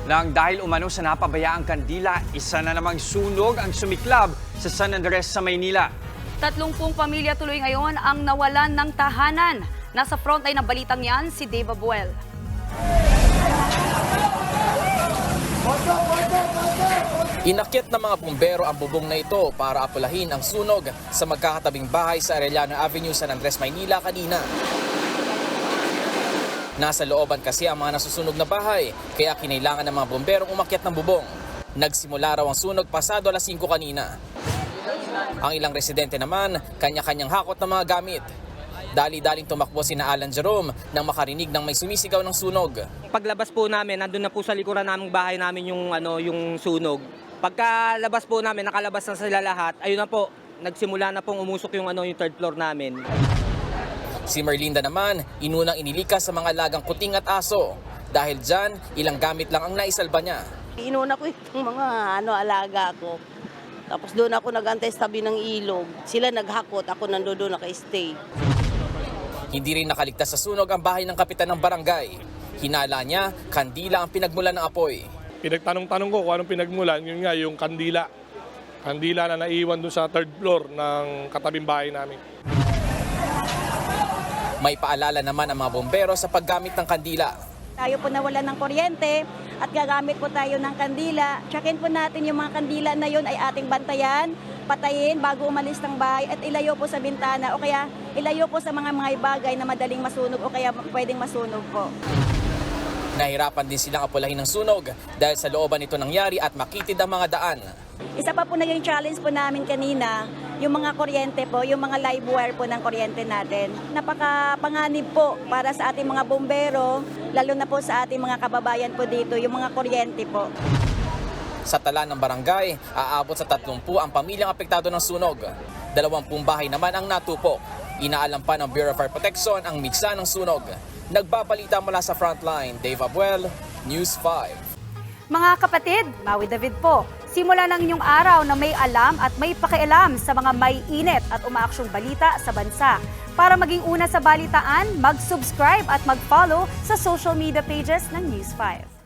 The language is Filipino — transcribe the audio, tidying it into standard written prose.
Nang dahil umano sa napabayaang kandila, isa na namang sunog ang sumiklab sa San Andres sa Maynila. 30 pamilya tuloy ngayon ang nawalan ng tahanan. Nasa frontline ng balitang yan si Dave Abuel. Inakyat ng mga bumbero ang bubong na ito para apulahin ang sunog sa magkakatabing bahay sa Arellano Avenue, San Andres, Maynila kanina. Nasa looban kasi ang mga nasusunog na bahay, kaya kinailangan ng mga bumberong umakyat ng bubong. Nagsimula raw ang sunog pasado alas 5 kanina. Ang ilang residente naman, kanya-kanyang hakot ng mga gamit. Dali-daling tumakbo sina Alan Jerome nang makarinig ng may sumisigaw ng sunog. Paglabas po namin, nandun na po sa likuran naming bahay namin yung sunog. Pagkalabas po namin, nakalabas na sila lahat. Ayun na po, nagsimula na pong umusok yung third floor namin. Si Merlinda naman, inunang inilikas sa mga lagang kuting at aso. Dahil dyan, ilang gamit lang ang naisalba niya. Inuna ko itong mga alaga ko. Tapos doon ako nag-antay sa tabi ng ilog. Sila naghakot, ako nandoon naka-stay. Hindi rin nakaligtas sa sunog ang bahay ng kapitan ng barangay. Hinala niya, kandila ang pinagmulan ng apoy. Pinagtanong-tanong ko kung anong pinagmulan, yun nga yung kandila. Kandila na naiwan doon sa third floor ng katabing bahay namin. May paalala naman ang mga bombero sa paggamit ng kandila. Tayo po nawalan ng kuryente at gagamit po tayo ng kandila. Tsakin po natin yung mga kandila na yun ay ating bantayan, patayin bago umalis ng bahay at ilayo po sa bintana o kaya ilayo po sa mga bagay na madaling masunog o kaya pwedeng masunog po. Nahirapan din silang apulahin ng sunog dahil sa looban ito nangyari at makitid ang mga daan. Isa pa po naging challenge po namin kanina, yung mga kuryente po, yung mga live wire po ng kuryente natin. Napakapanganib po para sa ating mga bombero, lalo na po sa ating mga kababayan po dito, yung mga kuryente po. Sa tala ng barangay, aabot sa 30 ang pamilyang apektado ng sunog. 20 bahay naman ang natupok. Inaalam pa ng Bureau of Fire Protection ang miksa ng sunog. Nagbabalita mula sa frontline, Dave Abuel, News 5. Mga kapatid, Maui David po. Simula ng inyong araw na may alam at may pakialam sa mga may init at umaaksyong balita sa bansa. Para maging una sa balitaan, mag-subscribe at mag-follow sa social media pages ng News 5.